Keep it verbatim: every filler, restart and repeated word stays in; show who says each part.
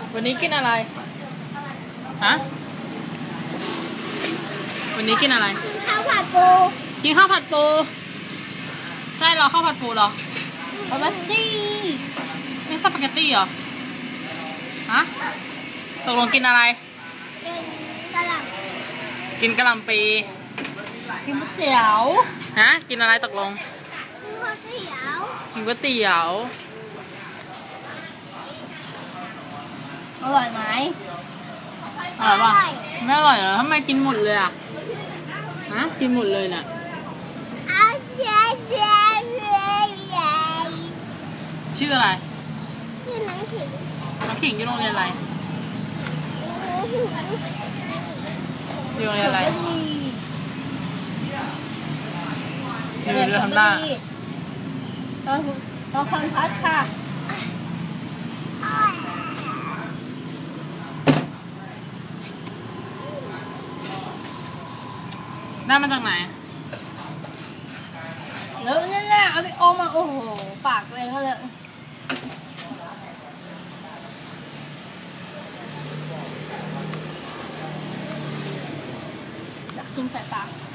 Speaker 1: วันนี้กินอะไรฮะวันนี้กินอะไร
Speaker 2: ข้าวผัดปู
Speaker 1: กินข้าวผัดปูใช่เหรอข้าวผัดปูเหรอ
Speaker 2: สปาเกตตี้
Speaker 1: ไม่สปาเกตตี้เหรอฮะตกลงกินอะไร
Speaker 2: กินกะหล่ำ
Speaker 1: กินกะหล่ำปี
Speaker 2: กินก๋วยเตี๋ยว
Speaker 1: ฮะกินอะไรตกลง
Speaker 2: กินก๋วยเตี๋ยว
Speaker 1: กินก๋วยเตี๋ยว
Speaker 2: อร่อยไหม
Speaker 1: อร่อยป่ะไม่อร่อยเหรอทำไมกินหมดเลยอ่ะฮะกินหมดเลยน่ะชื่ออะไร
Speaker 2: ชื่อน้องขิง
Speaker 1: น้องขิงอยู่โรงเรียนอะไรอยู่โรงเรียนอะไรอยู่เรียนทำได้
Speaker 2: ตอนตอนคอนพัดค่ะ
Speaker 1: ได้มาจากไหน
Speaker 2: เลอะนั่นแหละเอาไปอมมาโอ้โหปากเลยก็เลอะอยากกินใส่ปาก